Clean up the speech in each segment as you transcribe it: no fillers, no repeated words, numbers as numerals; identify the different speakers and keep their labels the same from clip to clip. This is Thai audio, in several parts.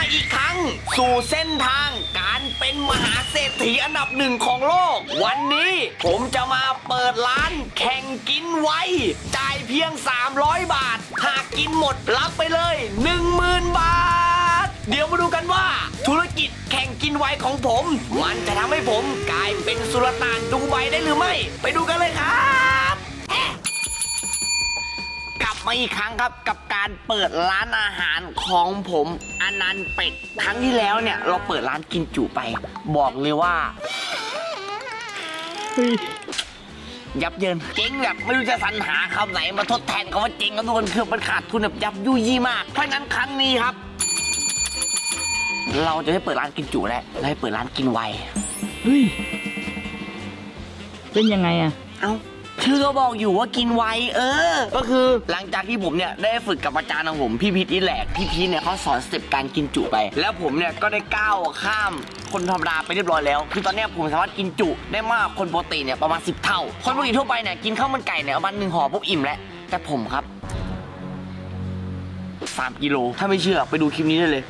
Speaker 1: อีกครั้งสู่เส้นทางการเป็นมหาเศรษฐีอันดับหนึ่งของโลกวันนี้ผมจะมาเปิดร้านแข่งกินไวจ่ายเพียง300 บาทหากกินหมดรับไปเลย 10,000 บาทเดี๋ยวมาดูกันว่าธุรกิจแข่งกินไวของผมมันจะทำให้ผมกลายเป็นสุลต่านดูไบได้หรือไม่ไปดูกันเลยครับกลับมาอีกครั้งครับกับการเปิดร้านอาหารของผมอนันต์เป็ดครั้งที่แล้วเนี่ยเราเปิดร้านกินจุไปบอกเลยว่ายับเยินเจ๊งแบบไม่รู้จะสรรหาคำไหนมาทดแทนคำว่าเจ๊งครับทุกคนคือมันขาดทุนแบบยับยุยี่มากเพราะฉะนั้นครั้งนี้ครับเราจะได้เปิดร้านกินจุแล้วเราให้เปิดร้านกินไว
Speaker 2: เฮ้ยเป็นยังไงอะ
Speaker 1: เอ้าชื่อก็บอกอยู่ว่ากินไวก็คือหลังจากที่ผมเนี่ยได้ฝึกกับอาจารย์ของผมพี่พีทอีแหลกพี่พีทเนี่ยเขาสอนสเต็ปการกินจุไปแล้วผมเนี่ยก็ได้ก้าวข้ามคนธรรมดาไปเรียบร้อยแล้วคือตอนนี้ผมสามารถกินจุได้มากคนปกติเนี่ยประมาณ10 เท่าคนปกติทั่วไปเนี่ยกินข้าวมันไก่เนี่ยประมาณ1 ห่อปุ๊บอิ่มแล้วแต่ผมครับ3 กิโลถ้าไม่เชื่อไปดูคลิปนี้ได้เลย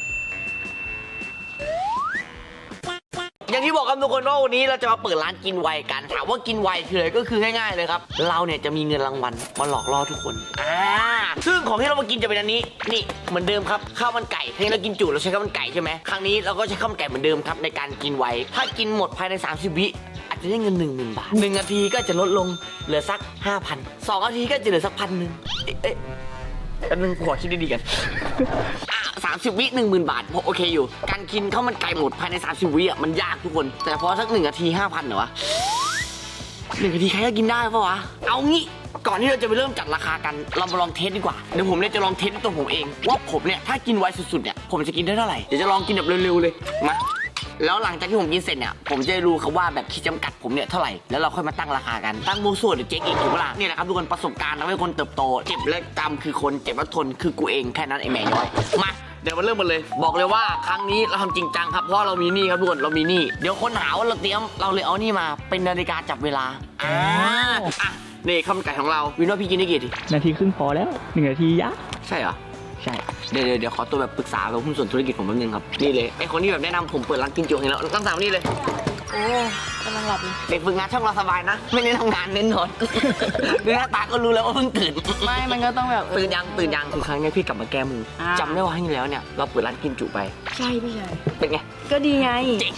Speaker 1: อย่างที่บอกครับทุกคนว่าวันนี้เราจะมาเปิดร้านกินไวกันถามว่ากินไวคืออะไรก็คือง่ายๆเลยครับเราเนี่ยจะมีเงินรางวัลมาหลอกล่อทุกคนซึ่งของที่เรามากินจะเป็นอันนี้นี่เหมือนเดิมครับข้าวมันไก่ครั้งนี้เรากินจุเราใช้ข้าวมันไก่ใช่ไหมครั้งนี้เราก็ใช้ข้าวมันไก่เหมือนเดิมครับในการกินไวถ้ากินหมดภายใน30 วิอาจจะได้เงิน 10,000 บาท1 นาทีก็จะลดลงเหลือสัก 5,000 2 นาทีก็จะเหลือสัก 1,000 อันนึงขอคิดดีๆกัน30 วิ 10,000 บาทโอเคอยู่การกินข้าวมันไก่หมดภายใน30 วิมันยากทุกคนแต่พอสัก1 นาที 5,000เหรอวะ1 นาทีใครก็กินได้ปะวะเอางี้ก่อนที่เราจะไปเริ่มจัดราคากันเรามาลองเทสดีกว่าเดี๋ยวผมเนี่ยจะลองเทสตัวผมเองว่าผมเนี่ยถ้ากินไวสุดๆเนี่ยผมจะกินได้เท่าไหร่เดี๋ยวจะลองกินแบบเร็วๆเลยมาแล้วหลังจากที่ผมกินเสร็จเนี่ยผมจะรู้ครับว่าแบบขีดจำกัดผมเนี่ยเท่าไหร่แล้วเราค่อยมาตั้งราคากันตั้งโมส่วนหรือเจ๊งอีกถูกปะล่ะนี่แหละครับทุกคนประสบการณ์ทำให้คนเติบโตเจ็บและจำคือคนเจ็บและทนคือกูเองแค่นั้นไอ้แม่ย้อยมาเดี๋ยวมาเริ่มกันเลยบอกเลยว่าครั้งนี้เราทำจริงจังครับเพราะเรามีนี่ครับทุกคนเรามีนี่เดี๋ยวคนหาว่าเราเตรียมเราเลยเอานี่มาเป็นนาฬิกาจับเวลานี่ข้าวมันไก่ของเราวินว่าพี่กินได้กี่ที
Speaker 2: นาทีครึ่งพอแล้ว1 นาทียะ
Speaker 1: ใช่เหรอ
Speaker 2: ใช่
Speaker 1: เดี๋ยวขอตัวแบบปรึกษากับหุ้นส่วนธุรกิจผมแป๊บนึงครับนี่เลยไอคนที่แบบแนะนำผมเปิดร้านกินจุให้แล้วตั้งสามนี่เลย
Speaker 3: โอ้กำลังหลับเลย
Speaker 1: เด็กฝึกงานช่องเราสบายนะไม่ได้ทำงานเน้นนอนดูหน้าตาก็รู้แล้วว่าเพิ่งตื่น
Speaker 3: ไม่มันก็ต้องแบบ
Speaker 1: ตื่นยังคือครั้งนี้พี่กลับมาแก้มือจำได้ว่าครั้งที่แล้วเนี่ยเราเปิดร้านกินจุไป
Speaker 3: ใช่พี่ชาย
Speaker 1: เป็นไง
Speaker 3: ก็ดีไง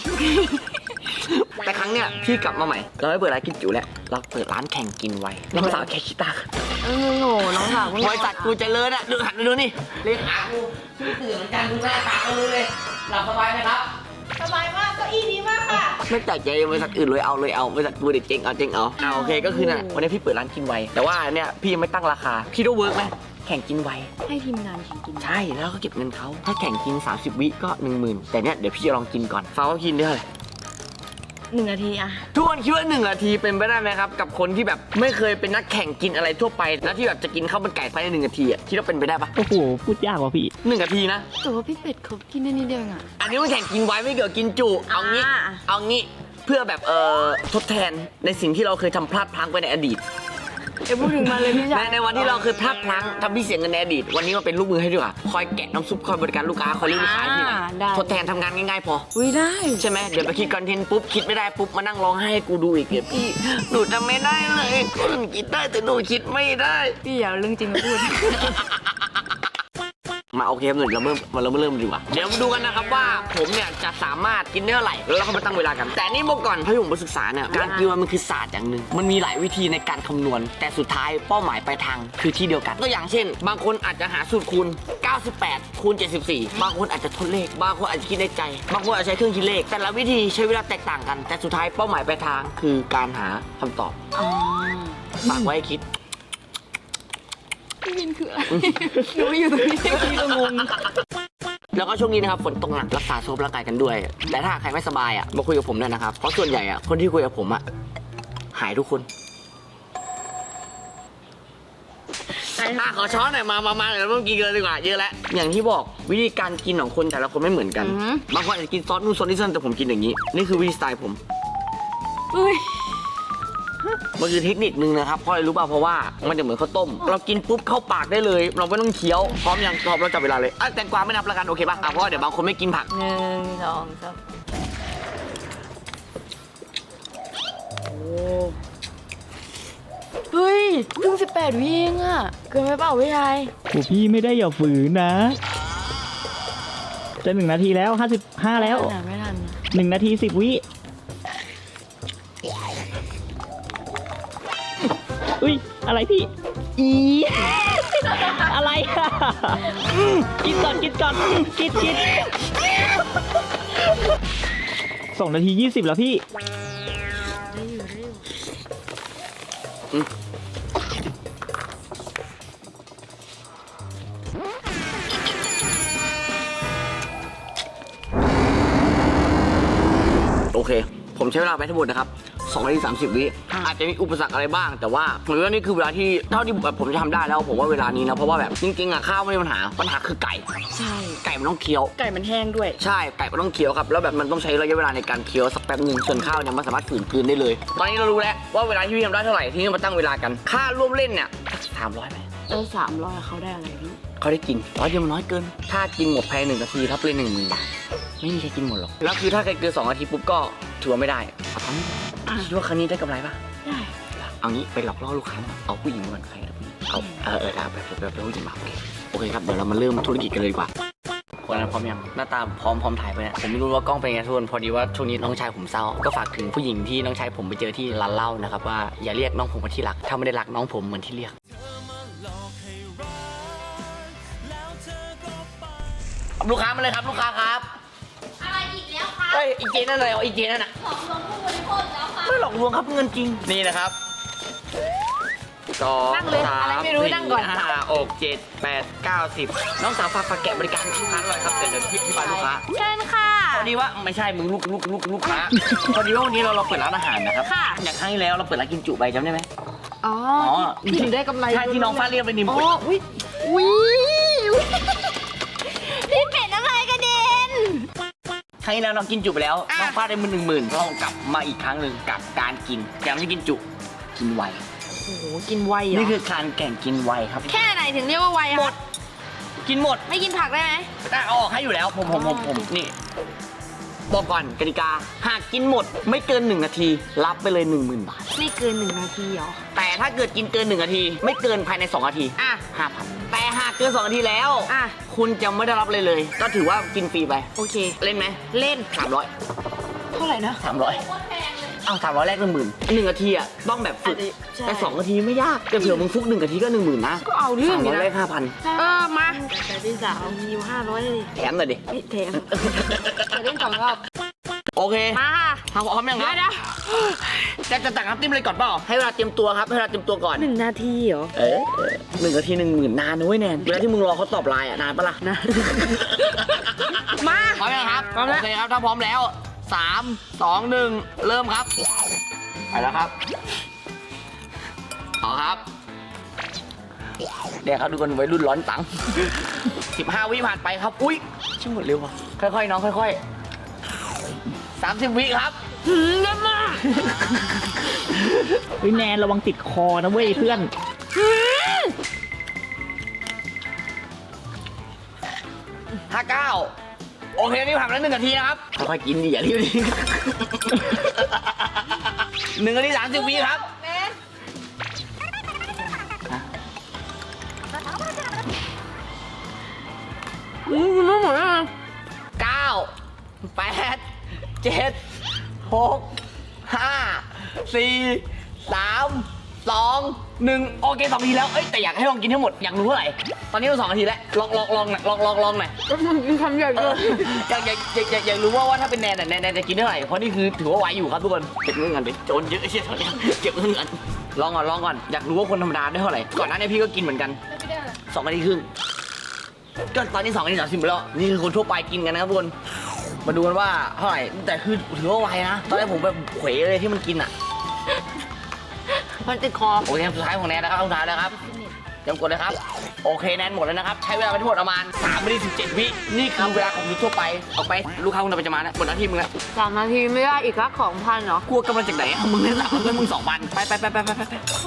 Speaker 1: แต่ครั้งเนี้ยพี่กลับมาใหม่เราไม่เปิดร้านกินจุแล้วเราเปิดร้านแข่งกินไวน้องสาวแค่คิดตา
Speaker 3: โง่น้องสาว
Speaker 1: บริษัทกูเจริญอ่ะดูหันไปดูนี่เลขากูตื่นเหมือนกันดูหน้าตาก็รู้เลยหลับสบายไหมครับ
Speaker 3: สบายมากเก้าอี้ดีมากค่ะ
Speaker 1: ไม่แปลกใจบริษัทอื่นเลยเอาบริษัทกูเด็ดเจ๊งเอาโอเคก็คือน่ะวันนี้พี่เปิดร้านกินไวแต่ว่าเนี่ยพี่ยังไม่ตั้งราคาพี่ต้องเวิร์กไหมแข่งกินไว
Speaker 3: ให้ทีมงานแข่งกิน
Speaker 1: ใช่แล้วก็เก็บเงินเขาถ้าแข่งกิน30 วิก็ 10,000แต่เนี่ยเดี๋ยวพี่จะลองกินก่อนฟ้าว่ากินได้เท่าไหร่
Speaker 3: 1 นาทีอะ
Speaker 1: ทุกคนคิดว่า1 นาทีเป็นไปได้ไหมครับกับคนที่แบบไม่เคยเป็นนักแข่งกินอะไรทั่วไปแล้วที่แบบจะกินข้าวมันไก่ภายใน1 นาทีคิดว่าเป็นไปได้ปะ
Speaker 2: โอ้โหพูดยากว่ะพี่
Speaker 1: 1 นาทีนะ
Speaker 3: แต่ว่าพี่เป็ดเขากินได้นิดเดียวอ่ะ
Speaker 1: อันนี้มันแข่งกินไวไม่เกี่ยวกับกินจุเอางี้เพื่อแบบทดแทนในสิ่งที่เราเคยทำพลาดพลั้งไปในอดีต
Speaker 3: พูดถึงมาเลยพี่ชาย
Speaker 1: ในวันที่เราเคยพลาดพลั้งทำพี่เสียเงินในอดีตวันนี้มาเป็นลูกมือให้ดีกว่าคอยแกะน้ำซุปคอยบริการลูกค้าคอยเลี้ยงลูกค้าที่ไหนทดแทนทำงานง่ายๆพอ
Speaker 3: ได้
Speaker 1: ใช่ไหมเดี๋ยวไปคิดคอนเทนต์ปุ๊บคิดไม่ได้ปุ๊บมานั่งร้องไห้ให้กูดูอีกเดี๋ยวพี่หนูทำไม่ได้เลยคนคิดได้แต่หนูคิดไม่ได้
Speaker 3: พี่อย่าเรื่องจริงมาพูด
Speaker 1: มาโอเคเงินเราเริ่มดีกว่าเดี๋ยวมาดูกันนะครับว่าผมเนี่ยจะสามารถกินได้เท่าไหร่แล้วเราก็มาตั้งเวลากันแต่นี่บอกก่อนพผมไปศึกษาเนี่ยการกินมันคือศาสตร์อย่างหนึ่งมันมีหลายวิธีในการคำนวณแต่สุดท้ายเป้าหมายปลายทางคือที่เดียวกันตัวอย่างเช่นบางคนอาจจะหาสูตรคูณ98คูณ74บางคนอาจจะทดเลขบางคนอาจจะคิดในใจบางคนอาจจะใช้เครื่องคิดเลขแต่ละวิธีใช้เวลาแตกต่างกันแต่สุดท้ายเป้าหมายปลายทางคือการหาคำตอบฝากไว้คิด
Speaker 3: พี่วินคืออะไรหนูอยู่ตรงนี้พี่ก็งง
Speaker 1: แล้วก็ช่วงนี้นะครับฝนตกหนักรักษาสุขภาพร่างกายกันด้วยแต่ถ้าใครไม่สบายมาคุยกับผมด้วยนะครับเพราะส่วนใหญ่คนที่คุยกับผมหายทุกคนขอช้อนหน่อยมาเดี๋ยวเราต้องกินกันดีกว่าเยอะแล้วอย่างที่บอกวิธีการกินของคนแต่ละคนไม่เหมือนกันบางคนอาจจะกินซอสนู่นซอสนี่แต่ผมกินอย่างนี้นี่คือวิธีสไตล์ผมมันคือเทคนิคนึงนะครับเพราะอะไรรู้ป่ะเพราะว่ามันจะเหมือนข้าวต้ม เรากินปุ๊บเข้าปากได้เลย เราไม่ต้องเคี้ยวพร้อมยังพร้อมเราจับเวลาเลยแตงกวาไม่นับแล้วกันโอเคป่ะเพราะว่าเดี๋ยวบางคนไม่กินผัก
Speaker 3: 1 2 3เฮ้ยเพิ่ง18 วิเองอะเกินไปเปล่าพี่ชาย
Speaker 2: โอ้พี่ไม่ได้อย่าฝืนนะ จะ1 นาทีแล้ว55แล้ว
Speaker 3: ไม่ทันนะ
Speaker 2: 1 นาที 10 วิอุ้ยอะไรพี่อี อะไรอะกินก่อนกิน2 นาที 20แล้วพี่
Speaker 3: ได้อยู่
Speaker 1: โอเค ผมใช้เวลาไปทั้งหมดนะครับ2 นาที 30 วิอาจจะมีอุปสรรคอะไรบ้าง แต่ว่าผมว่านี่คือเวลาที่เท่าที่แบบผมจะทำได้แล้วผมว่าเวลานี้นะเพราะว่าแบบจริงๆอะข้าวไม่มีปัญหาคือไก่
Speaker 3: ใช่
Speaker 1: ไก่มันต้องเคี้ยว
Speaker 3: ไก่มันแห้งด้วย
Speaker 1: ใช่ไก่มันต้องเคี้ยวครับแล้วแบบมันต้องใช้ระยะเวลาในการเคี้ยวสักแป๊บหนึ่งส่วนข้าวเนี่ยมันสามารถฝืนกลืนได้เลย ตอนนี้เรารู้แล้วว่าเวลาที่พี่ทำได้เท่าไหร่ที่นี่มาตั้งเวลากันค่าร่วมเล่นเนี่ย300ไหม
Speaker 3: 300เขาได้อะไรพี่
Speaker 1: เขาได้กิน100เดียวมันน้อยเกิน ถ้ากินหมดภายใน1 นาทีรับเลย10,000 บาทไม่มีใครกินหมดหรอกแล้วคือถ้าใครเกิน2 นาทีปุ๊บก็ถือว่าไม่ได้เอาครั้งนี้คิดว่าครั้งนี้ได้กำไรปะ
Speaker 3: ได้
Speaker 1: เอางี้ไปหลอกล่อลูกค้ามาเอาผู้หญิงมาก่อนใครนะผู้หญิงเอาไปผู้หญิงมาโอเคครับเดี๋ยวเรามาเริ่มธุรกิจกันเลยดีกว่าคนนั้นพร้อมยังหน้าตาพร้อมถ่ายไปเนี่ยผมไม่รู้ว่ากล้องเป็นไงทุกคนพอดีว่าช่วงนี้น้องชายผมเศร้าก็ฝากถึงผู้หญิงที่น้องชายผมไปเจอที่ร้านเหล้านะครับว่าอย่าเรียกน้องผมว่าที่รักถ้าไม่ได้รักน้องผมเหมือนที่เรียกลูกค้ามาเลยครับลูกค้าครับ
Speaker 4: อะไรอีกแล้วคะ
Speaker 1: เฮ้ยอีเจนั่นอะไรอ๋ออีเจนั่นน่ะ
Speaker 4: ของลวงผู้บริโภคอีกแล้วค่ะ
Speaker 1: ไม่หลอกลวงครับเงินจริงนี่นะครับ2
Speaker 3: นั่งเลย
Speaker 1: 3
Speaker 3: อะไรไม่รู้นั่งก่อน
Speaker 1: 4 5 6 7 8 9 10น้องสาวฝากแกะบริการลูกค้าหน่อยครับเดี๋ยวที่บ้านลูกค้า
Speaker 3: เชิญค่ะ
Speaker 1: พอดีว่าไม่ใช่มึงลูกค้า พอดีว่าวันนี้เราเปิดร้านอาหารนะครับ
Speaker 3: ค่ะ
Speaker 1: อย่างครั้งที่แล้วเราเปิดร้านกินจุไปจำได้ไหม
Speaker 3: อ๋อที่ถึงได้กำไร
Speaker 1: ใช่ที่น้องฟ้าเรียกไปนิม
Speaker 3: อ๋ออุ้ยพี่เป็ดน้ำลายกระเด็น
Speaker 1: ครั้งที่แล้วน้องกินจุไปแล้วน้องฟ้าได้10,000เรากลับมาอีกครั้งหนึ่งกับการกินแต่ไม่ใช่กินจุกินไว
Speaker 3: โอ้โหกินไวเหรอ
Speaker 1: นี่คือการแข่งกินไวครับ
Speaker 3: แค่ไหนถึงเรียกว่าไวอะ
Speaker 1: หมดกินหมด
Speaker 3: ไม่กินผักได้ไหม
Speaker 1: แต่เอาออกให้อยู่แล้วผมนี่บอกก่อนกติกาหากกินหมดไม่เกิน1 นาทีรับไปเลย 10,000 บาท
Speaker 3: ไม่เกิน1 นาทีเหรอ
Speaker 1: แต่ถ้าเกิดกินเกิน1 นาที ไม่เกินภายใน2 นาที
Speaker 3: อ่ะ
Speaker 1: 5,000แต่หากเกิน2 นาทีแล้ว
Speaker 3: อ่ะ
Speaker 1: คุณจะไม่ได้รับเลยเลย ก็ถือว่ากินฟรีไป
Speaker 3: โอเค
Speaker 1: เล่นไหม
Speaker 3: เล่น
Speaker 1: 300
Speaker 3: เท่าไหร่นะ
Speaker 1: 300เอา300แรก1,000นาทีอ่ะต้องแบบฝึก
Speaker 3: ใช่
Speaker 1: แต่2 นาทีไม่ยากแต่เผื่อมึงฟุก1 นาทีก็ 10,000นะ
Speaker 3: ก็เอาเรื่องอยู่
Speaker 1: 300
Speaker 3: นะ
Speaker 1: แรก5,000
Speaker 3: มาแต่พี่สาวมีอยู่500เลย
Speaker 1: แถมหน่อยดิ
Speaker 3: นี่แถมจะเล่น2 รอบ
Speaker 1: โอเค
Speaker 3: มาค่ะ
Speaker 1: ทำพร้อมยังครับ
Speaker 3: เดี๋ยว
Speaker 1: จะตักน้ำจิ้มเลยก่อนเปล่าให้เวลาเตรียมตัวครับให้เวลาเตรียมตัวก่อน
Speaker 3: 1 นาทีเหรอ
Speaker 1: 1 นาที 10,000นานนะเว้ยแนนเวลาที่มึงรอเขาตอบไลน์อ่ะนานปะล่ะ
Speaker 3: นะ มา
Speaker 1: พร้อมยังครับ
Speaker 3: พร้อมแล้ว
Speaker 1: โอเคครับถ้าพร้อมแล้ว 3 2 1 เริ่มครับไปแล้วครับเอาครับเดี๋ยวครับทุกคนวัยรุ่นร้อนตังค์15 วิผ่านไปครับอุ้ยช่างหมดเร็วว่ะค่อยๆน้องค่อยๆ30 วิครับ
Speaker 3: เริ่มมา
Speaker 2: เฮ้ยแนนระวังติดคอนะเว้ยเพื่อน
Speaker 1: 59โอเคนี่ผ่านไปแล้ว1 นาทีนะครับค่อยๆกินดิอย่ารีบดิ1 นาที 30 วิครับ
Speaker 3: ไม่หมดแล้วนะ
Speaker 1: 9 8 7 6 5 4 3 2 1โอเค2 นาทีแล้วเอ้ยแต่อยากให้ลองกินให้หมดอยากรู้เท่าไหร่ตอนนี้เรา2 นาทีแล้วลองหน่อยลองหน่อย
Speaker 3: ก็มันกินคำใหญ่เลย
Speaker 1: อยากรู้ว่าถ้าเป็นแนนจะกินเท่าไหร่เพราะนี่คือถือว่าไหวอยู่ครับทุกคนเก็บเงินกันไปโจรเยอะเชี่ยตอนนี้เก็บเงินกันลองก่อนอยากรู้ว่าคนธรรมดาได้เท่าไหร่ก่อนหน้านี้พี่ก็กินเหมือนกัน2 นาทีครึ่งก็ตอนนี้2 นาที 30แล้วนี่คือคนทั่วไปกินกันนะครับทุกคนมาดูกันว่าเท่าไหร่แต่คือถือว่าไวนะตอนแรกผมแบบเขวเลยที่มันกินอ่ะ
Speaker 3: มันติดคอ
Speaker 1: โอเคสุดท้ายของแนนนะครับสุดท้ายแล้วครับเตรียมกดเลยครับโอเคแนนหมดแล้วนะครับใช้เวลาไปทั้งหมดประมาณ3 นาที 17 วินี่คือเวลาของมนุษย์ทั่วไปออกไปลูกค้าคุณจะมาแล้วหมดหน้าที่มึงแล้ว
Speaker 3: 3 นาทีไม่ได้อีกละ2,000เหรอก
Speaker 1: ลัวกำลังจากไหนอะมึงได้3แล้วมึง2,000ไป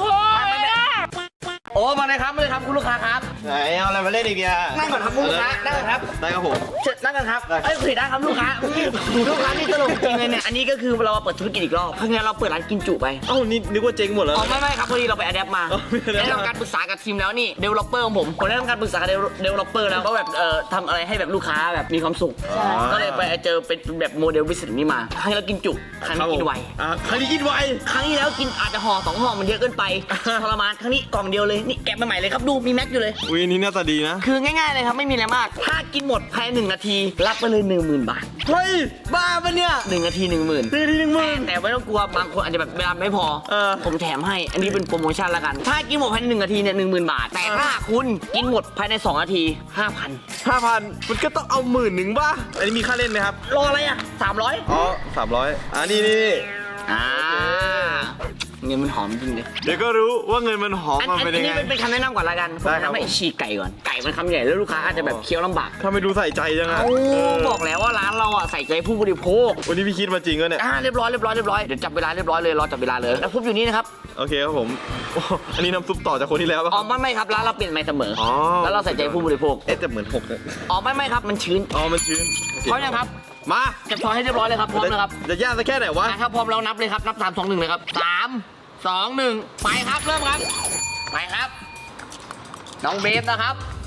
Speaker 1: โอ้มาเลยครับคุณลูกค้าครับ
Speaker 5: ไหนเอาอะไรมาเล่นอีกเนี่ย
Speaker 1: นั่งก่อนครับคุณลูกค้านั่งก่อนครับ
Speaker 5: ได้ครับผม
Speaker 1: เชิญนั่งกันครับเอ้ยคุยได้ครับลูกค้าลูกค้านี่ตลกจริงเลยเนี่ยอันนี้ก็คือเราเปิดธุรกิจอีกรอบครั้งนี้เราเปิดร้านกินจุไป
Speaker 5: เอ้านี่นึกว่าเจ๊งหมดแล้ว
Speaker 1: อ๋อไม่ครับพอดีเราไปอะแดปมา
Speaker 5: อ๋อไม่ได้
Speaker 1: ได้ทำการปรึกษากับทีมแล้วนี่เดเวลลอปเปอร์ของผมได้ทำการปรึกษากับเดเวลลอปเปอร์แล้วก็แบบทำอะไรให้แบบลูกค้าแบบมีความสุขก็เลยไปเจอเป็นแบบโมเดลวิสิตนี้มาครั้งนี้เรากินจุครั้งนี้กินไว
Speaker 5: ครั้งนี้กินไว
Speaker 1: ครั้งที่แล้วกินอาจจะห่อ2 ห่อมันเยอะเกินไปทรมานครั้งนี้กล่องเดียวเลยนี่แกะมาใหม่เลยครับดูมีแม็กอยู่เลย
Speaker 5: อุ้ยนี่หน้าตาดีนะ
Speaker 1: คือง่ายๆเลยครับไม่มีอะไรมาก ถ้ากินหมดภายใน1 นาทีรับไปเลย 10,000 บาท
Speaker 5: เฮ้ยบ้าปะเนี่ย
Speaker 1: 1 นาที 10,000
Speaker 5: 1 ที10,000
Speaker 1: แต่ไม่ต้องกลัวบางคนอาจจะแบบเวลาไม่พอ ผมแถมให้อันนี้เป็นโปรโมชั่นละกัน ถ้ากินหมดภายใน1 นาทีเนี่ย10,000 บาท แต่ถ้าคุณกินหมดภายใน2 นาที 5,000
Speaker 5: 5,000มันก็ต้องเอา10,000ป่ะอันนี้มีค่าเล่นไหมครับ
Speaker 1: รออะไรอ่ะ300
Speaker 5: อ๋อ300นี่
Speaker 1: อ่าเงินมันหอมจริงเลย
Speaker 5: เดี๋ยวก็รู้ว่าเงินมันหอม
Speaker 1: อัน
Speaker 5: มาเป็นยัง
Speaker 1: นี้
Speaker 5: ไง
Speaker 1: เป็นคำแนะนำก่อนละกันผม
Speaker 5: ได้
Speaker 1: แนะครับ นำให้
Speaker 5: ผม
Speaker 1: ฉีกไก่ก่อนไก่มันคำใหญ่แล้วลูกค้าอาจจะแบบเคี้ยวลำบาก
Speaker 5: ถ้าไม่ดูใส่ใจจังอะ
Speaker 1: โอ้บอกแล้วว่าร้านเราอ่ะใส่ใจผู้บริโภค
Speaker 5: วันนี้พี่คิดมาจริงวะเนี่ย
Speaker 1: เรียบร้อยเดี๋ยวจับเวลาเรียบร้อยเลยรอจับเวลาเลยแล้วพุบอยู่นี่นะครับ
Speaker 5: โอเคครับผมโอ้อันนี้น้ำซุปต่อจากคนที่แล้วป่ะ
Speaker 1: อ๋อไม่ครับร้านเราเปลี่ยนใหม่เสมออ
Speaker 5: อ๋อ
Speaker 1: แล้วเราใส่ใจผู้บริโภค
Speaker 5: เอ๊ะแต่เหมือน6เนี่ย
Speaker 1: อ๋อไม่ครับมันชื้น
Speaker 5: อ๋อมันชื้นโอเค
Speaker 1: พร้อมยังครับ
Speaker 5: มา
Speaker 1: จับช้อนให้เรียบร้อยเลยครับพร้อมนะครับ
Speaker 5: จะยากสักแค่ไหนวะ
Speaker 1: ถ้าพร้อมเรานับเลยครับนับ3 2 1เลยครับ3 2 1ไปครับเริ่มครับไปครับน้องเบฟนะครับ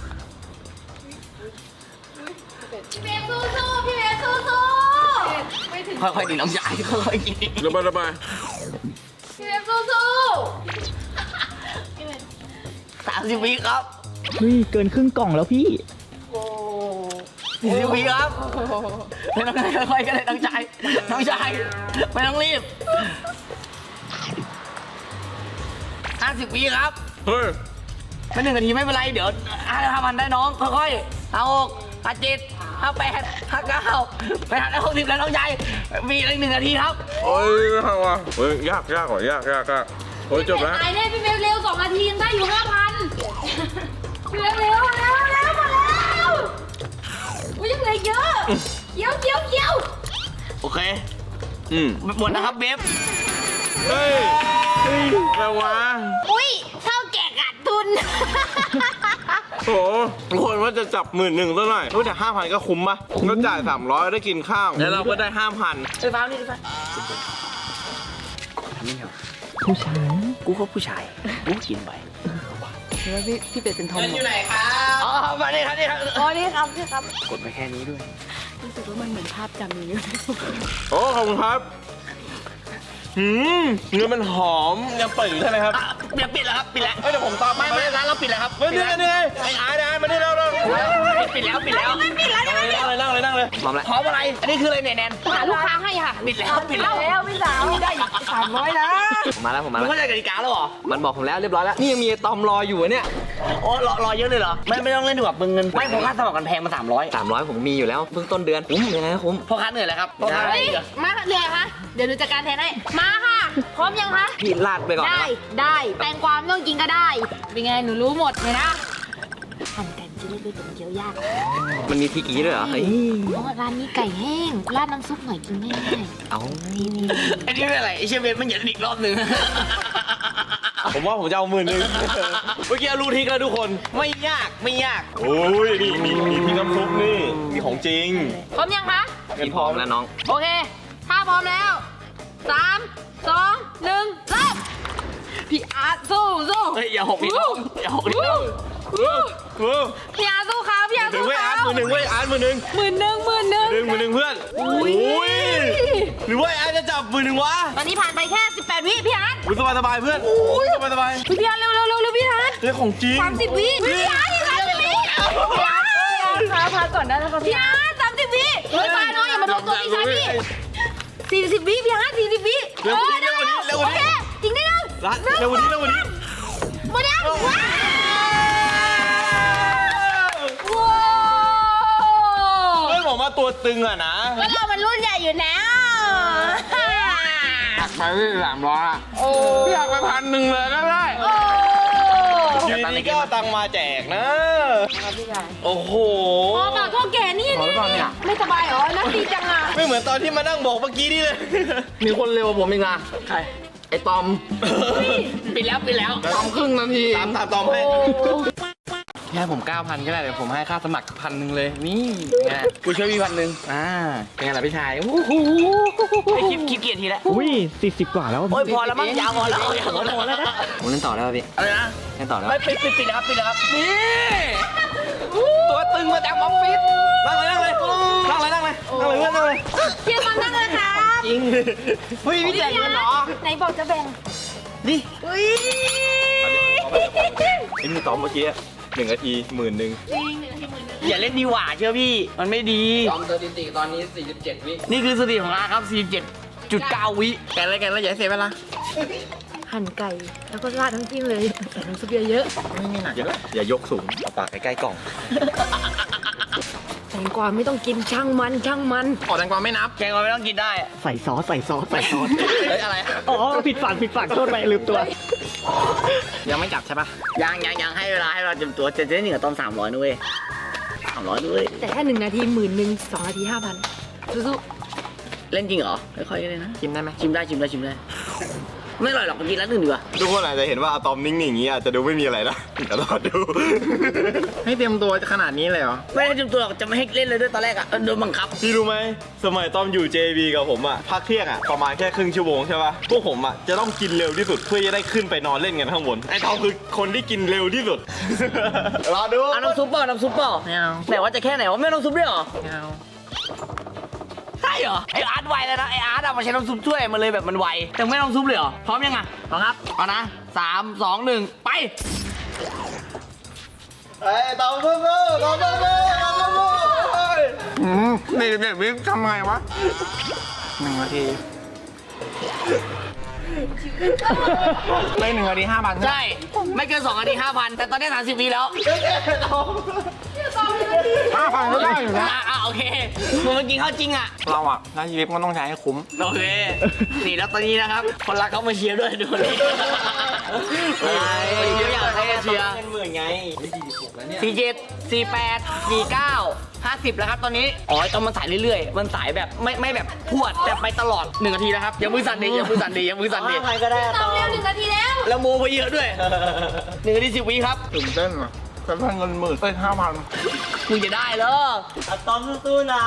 Speaker 4: พี่เบสสู้ๆพี่เบสสู้
Speaker 1: ค่อยๆดิน้องชายค่อยๆกิน
Speaker 5: ระบาย
Speaker 4: ๆพี่เบสสู้
Speaker 1: 30 วิครับ
Speaker 2: เฮ้ยเกินครึ่งกล่องแล้วพี่
Speaker 1: 40 วิครับไม่ต้องค่อยๆกันเลยน้องชายไม่ต้องรีบ50 วิครับ
Speaker 5: เฮ้ย
Speaker 1: ไม่1 นาทีไม่เป็นไรเดี๋ยว5,000ได้น้องค่อยๆ56 57 58 59ไปทำได้60แล้วน้องชายมีอีก1 นาทีครับ
Speaker 5: โอ้ยไม่เอาว่ะเฮ้ยยากกว่ายากโอ้ย
Speaker 4: ๆ
Speaker 5: จบแล้ว
Speaker 4: ตายแน่พี่เบสเร็ว2 นาทียังได้อยู่ 5,000พี่เบสเร็วมาแล้วอุ้ยยังเหลือเยอะเคี้ยว
Speaker 1: โอเค หมดนะครับเบฟ
Speaker 5: เฮ้ยแปลว่า
Speaker 4: อุ้ยเท่าแก่ขาดทุน
Speaker 5: โอ้ทุกคนว่าจะจับ11,000ซะหน่อยรู้แต่5,000ก็คุ้มปะก็จ่าย300ได้กินข้าวแล้วเราก็ได้5,000
Speaker 1: ไฟฟ้านี่ไฟฟ้าไม่เหรอ
Speaker 2: ผู้ชาย
Speaker 1: กูก็ผู้ชายกูกินไป
Speaker 3: แล้วพี่เป็ดเป็นทอม
Speaker 1: อยู่ไหนครับอ๋อมาดิครับนี่ครับ
Speaker 3: อ๋อนี่ครับ
Speaker 1: กดไปแค่นี้ด้วย
Speaker 3: รู้สึกว่ามันเหมือนภาพจำอย่างนี้
Speaker 5: โอ้ขอบคุณครับเนื้อมันหอมยังเปิดอยู่ใช่ไหมครับ
Speaker 1: เดี๋ยวปิดแล้วครับปิดแล้ว
Speaker 5: เฮ้ยเดี๋ยวผมตาม
Speaker 1: ไม่ร้านเราปิดแล้วครับ
Speaker 5: เฮ้ยนี่ไอ้อาร์ตมาดิเรา
Speaker 1: ปิดแล้วปิดแล้ว
Speaker 5: นั่งเลย
Speaker 1: พร้อมแล้วพร้อมอะไรอันนี้คืออะไรเนี่ยแนน
Speaker 4: หาลูกค้าให้ค่ะ
Speaker 1: ปิดแล้วปิดแล้ว
Speaker 3: แล้วพี่สาวได้อีก300นะ
Speaker 2: ผมมาแล้ว
Speaker 1: มึงเข้าใจกติกาแล้วเหรอ
Speaker 2: มันบอกผมแล้วเรียบร้อยแล้ว นี่ยังมีตอมรออยู่เนี่ย
Speaker 1: โอ้รอเยอะเลยเหรอไม่ต้องเล่นดีกว่าเบิงเงินไม่ผมค่าสมัครกันแพงมา300
Speaker 2: 300ผมมีอยู่แล้วเพิ่งต้นเดือนคุ้มยังไงก็คุ้ม
Speaker 1: พ่อค้าเหนื่อยแล้วครับพ่อค้า
Speaker 4: เฮ้ย
Speaker 1: เหนื่อย
Speaker 4: มาเหนื่อยคะเดี๋ยวหนูจัดการแทนให้มาค่ะพร้อมยังคะ
Speaker 2: พี่ลาดไปก่อน
Speaker 4: ได้
Speaker 2: นะ
Speaker 4: ได้แตงกวาไม่ต้องกินก็ได้ เป็นไง หนูรู้หมดเลยนะหั่นไก่ชิ้นเล็กๆแต่มันเคี้ยวยาก
Speaker 2: มันมีทีกี้ด้วยเหรอเฮ้ย
Speaker 4: เพราะว่าร้านนี้ไก่แห้ง ราดน้ำซุปหน่อยกินง่าย
Speaker 2: เอา
Speaker 1: อันนี้เป็นอะไรไอเชฟเบนมันเหยียดอีกรอบหนึ่ง
Speaker 5: ผมว่าผมจะเอา10,000เมื่อกี้รู้ทิกแล้วทุกคน
Speaker 1: ไม่ยาก
Speaker 5: โอ้ยนี่มีพี่น้ำซุปนี่มีของจริง
Speaker 4: ๆพร้อมยังคะ
Speaker 2: พี่พร้อมแล้วน้อง
Speaker 4: โอเค ถ้าพร้อมแล้ว 3 2 1 เริ่ม พี่อาร์ตสู้
Speaker 1: เฮ้ยอย่าหกดิน้องอย่าหกดิน้อง
Speaker 4: พี่อาร์ตสู้ครับพี่อาร์ต
Speaker 5: ถึง
Speaker 4: สู้
Speaker 5: เว้ย
Speaker 4: ค
Speaker 5: อา
Speaker 4: รั
Speaker 5: ร์ต
Speaker 4: บ
Speaker 5: มือหนึ่งเว้ยอาร์ตมือหนึ่ง
Speaker 4: หมื่นหนึ่ง
Speaker 5: เพื่อนโอ้ยหรือว่าอาร์ตจะจับมือหนึ่งวะ
Speaker 4: ตอนนี้ผ่านไปแค่ 18 วิพี่อาร์ต
Speaker 5: อุ้ยสบายเพื่อนสบาย
Speaker 4: พี่อาร์ตเร็วพี่อาร์ต
Speaker 5: เรื่องของจริง
Speaker 4: 30 วิพี่อาร์ต30 วิพี่อาร์ต
Speaker 3: พาก่อนได้นะครับ
Speaker 4: พี่อาร์ต30 วิเฮ้ยไปน้องอย่ามาโดนตัวพี่ชายพี่40 วิพี่อาร์ต40 วิ
Speaker 5: เร็วกว่านี้
Speaker 4: โอเคอีกนิดนึง
Speaker 5: เร็วกว่านี้
Speaker 4: หมดยังว้าว
Speaker 5: เฮ้ยผมมาตัวตึงอะนะ
Speaker 4: ก็เรามันรุ่นใหญ่อยู่แล้ว
Speaker 5: หักไปที่300อะพี่หักไป1,000เลยก็ได้
Speaker 4: โอ้โห
Speaker 5: อยู่ดีๆก็เอาตังค์มาแจกนะ โอ้โห
Speaker 4: พ่อเปล่าโทษแกนี่
Speaker 5: ขอหรือเปล่าเนี่ย
Speaker 4: ไม่สบายเหรอน่าดีจังอ่ะ
Speaker 5: ไม่เหมือนตอนที่มานั่งบอกเมื่อกี้นี่เลย
Speaker 2: มีคนเร็วกว่าผมอีกนะ
Speaker 1: ใคร
Speaker 2: ไอ้ตอม
Speaker 1: ปิดแล้ว
Speaker 2: ตอมครึ่งนาที
Speaker 5: ตามตอมให้
Speaker 2: ให้ผม 9,000 ก็ได้เดี๋ยวผมให้ค่าสมัคร1,000เลยนี่ไงกูช่วยพี่1,000เป็นไงล่ะพี่ชายโอ้โห
Speaker 1: ไอคลิปเกียรทีแล้ว
Speaker 2: อุ้ย40 กว่าแล้ว
Speaker 1: โอ้ยพอแล้วมั้งยาวพอแล้วพอแล้วนะ
Speaker 2: ผมเล่นต่อได้ป่ะพี่
Speaker 1: อะไรนะ
Speaker 2: เล่นต่อได้
Speaker 1: ไม่
Speaker 2: ป่ะ
Speaker 1: ปิดแล้วครับปิดแล้วครับนี่
Speaker 2: ตัวตึงมาจากออฟฟิศ
Speaker 5: นั่งเลยนั่งเลยนั่งเลยนั่งเลยนั่งเลยเพื่อนนั่งเลย
Speaker 4: เชียร์มันนั่งเลยครับ
Speaker 1: จริงเฮ้ยพี่แจกเงินเหรอ
Speaker 4: ไหนบอกจะแบ่ง
Speaker 1: นี่
Speaker 4: อุ้ย
Speaker 5: ไอ้นี่ตอมเมื่อกี้1 นาที10,000
Speaker 1: อย่าเล่นดีหว่าเชื่อพี่มันไม่ดี
Speaker 2: ตอมสถิติตอนนี้ 47 วิ
Speaker 1: นี่คือสถิติของอาครับ 47.9 วิ
Speaker 2: แกอะไรกันแล้วอย่าให้เสียเวลา
Speaker 3: หั่นไก่แล้วก็ราดน้ำจิ้มเลยใส่น้ำซุปเยอะ
Speaker 5: อย่ายกสูงเอาปากใกล้ๆกล่อง
Speaker 3: ๆแตงกวาไม่ต้องกินช่างมัน
Speaker 2: ออกแตงกวาไม่นับ
Speaker 1: แกงก็ไม่ต้องกินได้
Speaker 2: ใส่ซอส
Speaker 1: เฮ้ยอะไร
Speaker 2: อ๋อผิดฝั่งโทษไปลืมตัว ยังไม่จับใช่ปะ
Speaker 1: ยังให้เวลาเตรียมตัวจะได้หนึ่งกับตอน300นุ้ย300ด้วย
Speaker 3: แต่ถ้า1 นาที10,000 2 นาที 5,000สู้
Speaker 1: เล่นจริงเหรอค่อยๆเลยนะ
Speaker 2: ชิมได้ไหม
Speaker 1: ชิมได้ไม่อร่อยหรอกกินแล้วหนึ่งดีกว่า
Speaker 5: ทุกคนอาจจะเห็นว่าอะตอมนิ่งๆอย่างนี้อาจจะดูไม่มีอะไรนะเดี๋ยวรอดู
Speaker 2: ให้เตรียมตัวขนาดนี้เลยเหรอ
Speaker 1: ไม่ได้เตรียมตัวหรอกจะไม่ให้เล่นเลยด้วยตอนแรกอะโดนบังคับ
Speaker 5: พี่รู้ไหมสมัยตอมอยู่ JB กับผมอะพักเที่ยงอะประมาณแค่ครึ่งชั่วโมงใช่ปะพวกผมอะจะต้องกินเร็วที่สุดเพื่อจะได้ขึ้นไปนอนเล่นกันข้างบนไอ้ตอมคือคนที่กินเร็วที่สุด รอดู
Speaker 1: เอาน้ำซุปเปล่าน้ำซุปเปล่า
Speaker 2: ไม่เอา
Speaker 1: ไหนว่าจะแค่ไหนว่าไม่น้ำซุปด้วยเหรอ
Speaker 2: ไม่เอา
Speaker 1: ใช่เหรอไออาร์ตไวแล้วนะไออาร์ตอะมาใช้น้ำซุปช่วยมันเลยแบบมันไวแต่ไม่น้ำซุปเลยเหรอพร้อมยังอะพร้อมครับเอานะ3 2 1ไป
Speaker 5: ไอ้ตอมสู้ๆตอมสู้ๆตอมสู้ๆ
Speaker 2: นี่แบบนี้ทำไงวะ1 นาทีได้1 นาที 5,000
Speaker 1: ใช่ไม่เกิน2 นาที 5,000 แต่ตอนนี้30 วิแล้ว
Speaker 2: 5,000ก็ได้อยู่นะ
Speaker 1: โอเคมึงมากินข้าวจริงอะ
Speaker 2: เราอะถ้าชีวิตก็ต้องใช้ให้คุ้ม
Speaker 1: โอเค นี่แล้วตอนนี้นะครับ คนรักเขามาเชียร์ด้วยดูนี่เชียร์อยากให้เชียร์47 48 49 50แล้วครับตอนนี้อ๋อต้องมันสายเรื่อยๆ มันสายแบบไม่แบบพวดแต่ไปตลอด1 นาทีนะครับอย่ามือสั่นดิอย่ามือสั่นดิก็ได้
Speaker 4: ตามเร็ว1 นาทีแล้ว
Speaker 1: แล้วโมไปเยอะด้วย1 นาที 10 วิครับ
Speaker 2: ตื่นเต้นอ่ะแต่พันเงิน10,000เอ้ย5,000
Speaker 1: มึงจะได้เหรอ
Speaker 6: ตอมสู้ๆนะ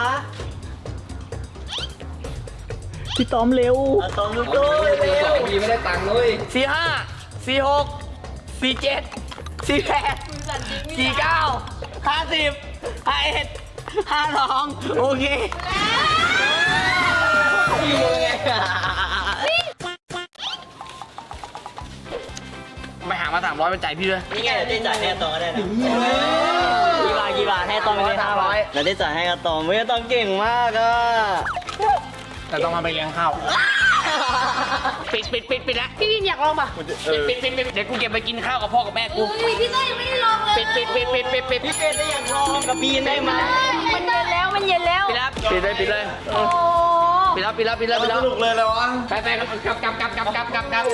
Speaker 2: พี่ตอมเร็ว
Speaker 6: ตอมสู้ๆเร็ว
Speaker 2: ไม่ได้ตังค์เลย
Speaker 1: 45 46 47 48 49 50 51 52โอเคไปหามา300เป็นใจพี่ด้วย
Speaker 6: นี่ไงเราได้จ่ายให้ตอมก็ได้นะกี่บาทให้ตอมไปเลย500เราได้จ่ายให้ตอมตอมเก่งมากอ่ะ
Speaker 2: แต่ต้องมาไปเลี้ยงข้าว
Speaker 1: ปิดแล้ว
Speaker 3: พี่วินอยากลองป่ะ
Speaker 1: ปิดเดี๋ยวกูเก็บไปกินข้าวกับพ่อกับแม่กู
Speaker 4: อุ้ยพี่เต้ยยังไม่ได้ลองเลย
Speaker 1: ปิด
Speaker 6: พี่เป็นได้อยากลองกับบีนได้ไหม
Speaker 3: มันเย็นแล้ว
Speaker 1: ปิดเลย
Speaker 3: โอ้
Speaker 1: ปิดแล้ว
Speaker 5: สนุกเลยเลยวะ
Speaker 1: ไปกลับ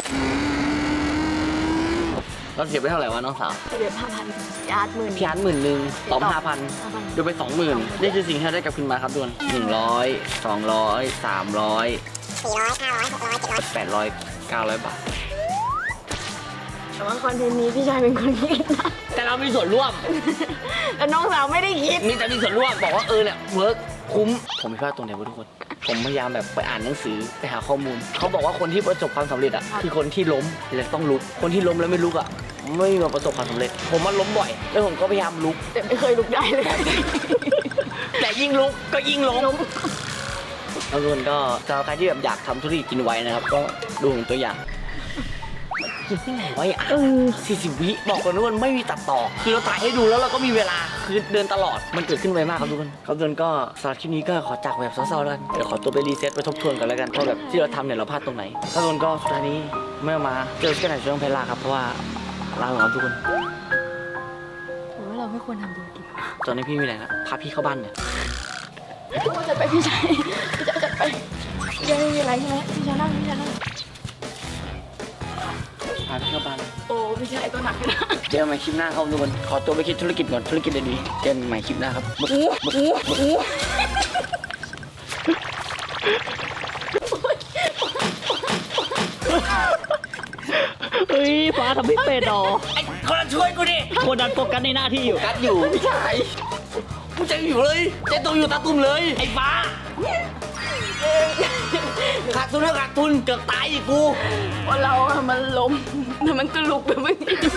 Speaker 1: เราเสียไปเท่าไหร่วะน้องสาว
Speaker 3: เหลือ5,000ยาร์ด10,000
Speaker 1: พี่อาร์ต10,000ตอม5,000ดูไป 20,000นี่คือสิ่งที่เราได้กลับคืนมาครับทุกคน100 200 300 800 900 บาท
Speaker 3: แต่ว่าคอนเทนต์นี้พี่ชายเป็นคนคิดนะ
Speaker 1: แต่เรามีส่วนร่วม
Speaker 3: แต่น้องสาวไม่ได้คิด
Speaker 1: มีส่วนร่วมบอกว่าเนี่ยเวิร์กคุ้มผมไม่พลาดตรงไหนวะทุกคน ผมพยายามแบบไปอ่านหนังสือไปหาข้อมูลเขาบอกว่าคนที่ประสบความสำเร็จอ่ะคือคนที่ล้มแล้วต้องลุกคนที่ล้มแล้วไม่ลุกอ่ะไม่มาประสบความสำเร็จ ผมมันล้มบ่อยแล้วผมก็พยายามลุก
Speaker 3: แต่ไม่เคยลุกได้เลย
Speaker 1: แต่ยิ่งลุกก็ยิ่งล้มแล้วทุกคนก็สำหรับใครที่แบบอยากทำธุรกิจกินไวนะครับ ก็ดูของตัวอย่างกินที่ไหนไว้40 วิบอกก่อนทุกคนไม่มีตัดต่อ คือเราถ่ายให้ดูแล้วเราก็มีเวลาคือเดินตลอดมันเกิดขึ้นไวมากครับทุกคนครับทุกคนก็สำหรับคลิปนี้ก็ขอจากแบบเศร้าๆแล้วกันเดี๋ยวขอตัวไปรีเซ็ตไปทบทวนกันแล้วกันว่าแบบที่เราทำเนี่ยเราพลาดตรงไหนครับทุกคนก็สุดท้ายนี้เมื่อมาเจอกันในช่วงเพลาครับเพราะว่าลาครับทุกคน
Speaker 3: หรือว่าเราไม่ควรทำธุรกิจ
Speaker 1: ตอนนี้พี่มีอะไรนะพาพี่เข้าบ้านเนี่ย
Speaker 3: ว่าจะไปพี่ชายจะไปยังไม่มีอะไรใช่ไหมพี่ชายนั่ง
Speaker 2: ห
Speaker 1: าพี่เข้าบ้าน
Speaker 3: โอ้ไม่ใช่ตัวหนักนะ
Speaker 1: เจอกันใหม่คลิปหน้าครับทุกคนขอตัวไปคิดธุรกิจก่อนธุรกิจดีๆเจอกันใหม่คลิปหน้าครับ
Speaker 6: เฮ้ยฟ้าทำไม่เป็นหรอ
Speaker 1: ไอ้คนละช่วยกูดิ
Speaker 6: คนนั้นโฟกัสในหน้าที่อยู่
Speaker 1: กัดอยู่ไม่ใช่กูใจอยู่เลยใจตรงอยู่ตาตุ่มเลยไอ้ฟ้าขาดทุนแล้วขาดทุนเกือบตายอีกกู
Speaker 3: ว่าเราอะมันล้มแต่มันก็ลุกแบบนี้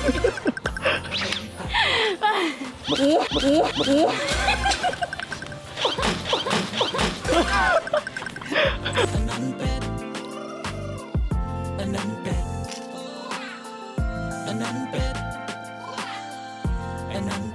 Speaker 7: อันนั้นเป็ดอันนั้น